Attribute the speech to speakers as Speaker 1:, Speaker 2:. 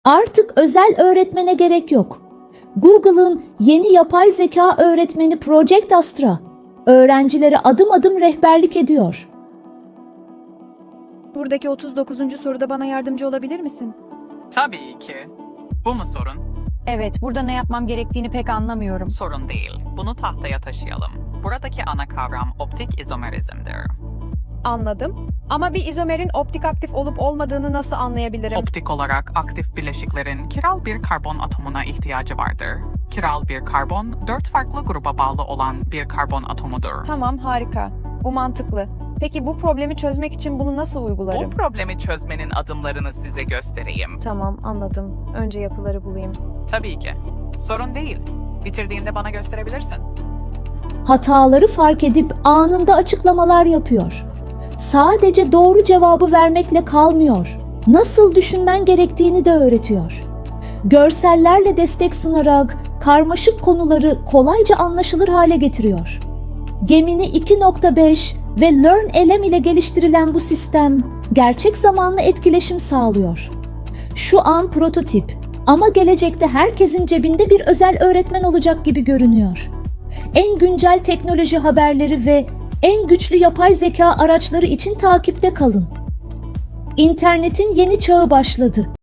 Speaker 1: Artık özel öğretmene gerek yok. Google'ın yeni yapay zeka öğretmeni Project Astra, öğrencilere adım adım rehberlik ediyor.
Speaker 2: Buradaki 39. soruda bana yardımcı olabilir misin?
Speaker 3: Tabii ki. Bu mu sorun?
Speaker 4: Evet, burada ne yapmam gerektiğini pek anlamıyorum.
Speaker 3: Sorun değil. Bunu tahtaya taşıyalım. Buradaki ana kavram optik izomerizmdir.
Speaker 2: Anladım. Ama bir izomerin optik aktif olup olmadığını nasıl anlayabilirim?
Speaker 3: Optik olarak aktif bileşiklerin kiral bir karbon atomuna ihtiyacı vardır. Kiral bir karbon, 4 farklı gruba bağlı olan bir karbon atomudur.
Speaker 2: Tamam, harika. Bu mantıklı. Peki bu problemi çözmek için bunu nasıl uygularım?
Speaker 5: Bu problemi çözmenin adımlarını size göstereyim.
Speaker 2: Tamam, anladım. Önce yapıları bulayım.
Speaker 3: Tabii ki. Sorun değil. Bitirdiğinde bana gösterebilirsin.
Speaker 1: Hataları fark edip anında açıklamalar yapıyor. Sadece doğru cevabı vermekle kalmıyor. Nasıl düşünmen gerektiğini de öğretiyor. Görsellerle destek sunarak karmaşık konuları kolayca anlaşılır hale getiriyor. Gemini 2.5 ve LearnLM ile geliştirilen bu sistem gerçek zamanlı etkileşim sağlıyor. Şu an prototip ama gelecekte herkesin cebinde bir özel öğretmen olacak gibi görünüyor. En güncel teknoloji haberleri ve en güçlü yapay zeka araçları için takipte kalın. İnternetin yeni çağı başladı.